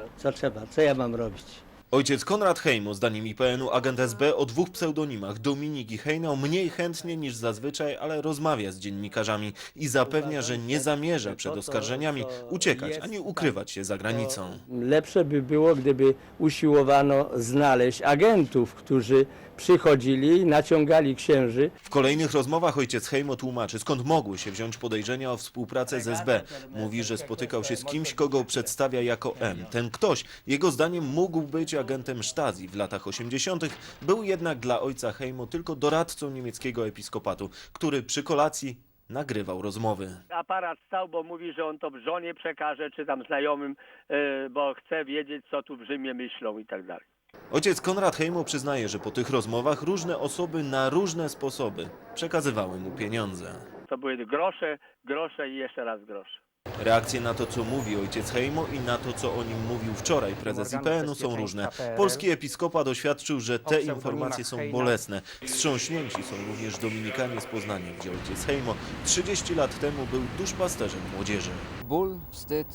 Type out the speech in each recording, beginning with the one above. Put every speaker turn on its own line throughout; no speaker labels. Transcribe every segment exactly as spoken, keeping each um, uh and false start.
co trzeba, co ja mam robić?
Ojciec Konrad Hejmo, zdaniem I P N u agent S B o dwóch pseudonimach Dominik i Hejnał, mniej chętnie niż zazwyczaj, ale rozmawia z dziennikarzami i zapewnia, że nie zamierza przed oskarżeniami uciekać ani ukrywać się za granicą.
Lepsze by było, gdyby usiłowano znaleźć agentów, którzy przychodzili, naciągali księży.
W kolejnych rozmowach ojciec Hejmo tłumaczy, skąd mogły się wziąć podejrzenia o współpracę z S B. Mówi, że spotykał się z kimś, kogo przedstawia jako M. Ten ktoś, jego zdaniem, mógł być agentem Stasi w latach osiemdziesiątych. Był jednak dla ojca Hejmo tylko doradcą niemieckiego episkopatu, który przy kolacji nagrywał rozmowy.
Aparat stał, bo mówi, że on to żonie przekaże, czy tam znajomym, yy, bo chce wiedzieć, co tu w Rzymie myślą i tak dalej.
Ojciec Konrad Hejmo przyznaje, że po tych rozmowach różne osoby na różne sposoby przekazywały mu pieniądze.
To były grosze, grosze i jeszcze raz grosze.
Reakcje na to, co mówi ojciec Hejmo i na to, co o nim mówił wczoraj prezes I P N u, są różne. Polski episkopat oświadczył, że te informacje są bolesne. Wstrząśnięci są również Dominikanie z Poznania, gdzie ojciec Hejmo trzydzieści lat temu był duszpasterzem młodzieży.
Ból, wstyd,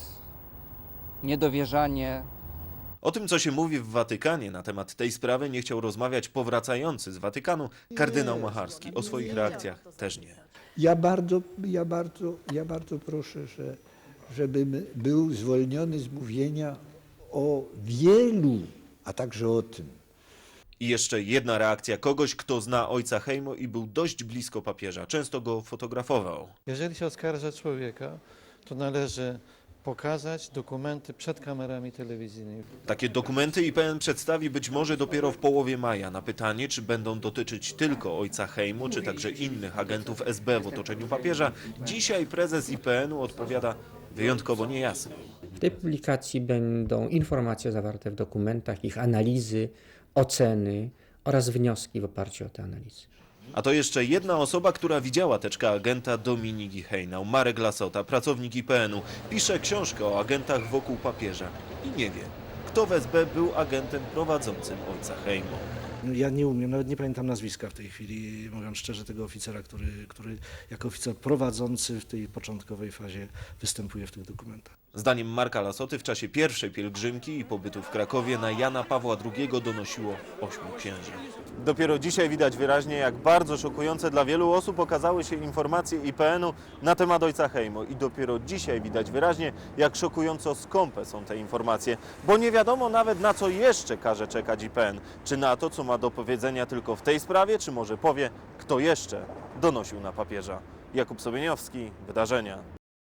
niedowierzanie.
O tym, co się mówi w Watykanie na temat tej sprawy, nie chciał rozmawiać powracający z Watykanu kardynał Macharski. O swoich reakcjach też nie.
Ja bardzo, ja bardzo, ja bardzo proszę, że, żebym był zwolniony z mówienia o wielu, a także o tym.
I jeszcze jedna reakcja kogoś, kto zna ojca Hejmo i był dość blisko papieża. Często go fotografował.
Jeżeli się oskarża człowieka, to należy pokazać dokumenty przed kamerami telewizyjnymi.
Takie dokumenty I P N przedstawi być może dopiero w połowie maja. Na pytanie, czy będą dotyczyć tylko ojca Hejmo, czy także innych agentów S B w otoczeniu papieża, dzisiaj prezes I P N u odpowiada wyjątkowo niejasno.
W tej publikacji będą informacje zawarte w dokumentach, ich analizy, oceny oraz wnioski w oparciu o te analizy.
A to jeszcze jedna osoba, która widziała teczkę agenta Dominik i Hejnał. Marek Lasota, pracownik I P N u, pisze książkę o agentach wokół papieża i nie wie, kto w S B był agentem prowadzącym ojca Hejmo.
Ja nie umiem, nawet nie pamiętam nazwiska w tej chwili, mówiąc szczerze, tego oficera, który, który jako oficer prowadzący w tej początkowej fazie występuje w tych dokumentach.
Zdaniem Marka Lasoty w czasie pierwszej pielgrzymki i pobytu w Krakowie na Jana Pawła drugiego donosiło ośmiu księży. Dopiero dzisiaj widać wyraźnie, jak bardzo szokujące dla wielu osób okazały się informacje I P N u na temat ojca Hejmo. I dopiero dzisiaj widać wyraźnie, jak szokująco skąpe są te informacje, bo nie wiadomo nawet, na co jeszcze każe czekać I P N. Czy na to, co ma do powiedzenia tylko w tej sprawie, czy może powie, kto jeszcze donosił na papieża. Jakub Sobieniowski, Wydarzenia.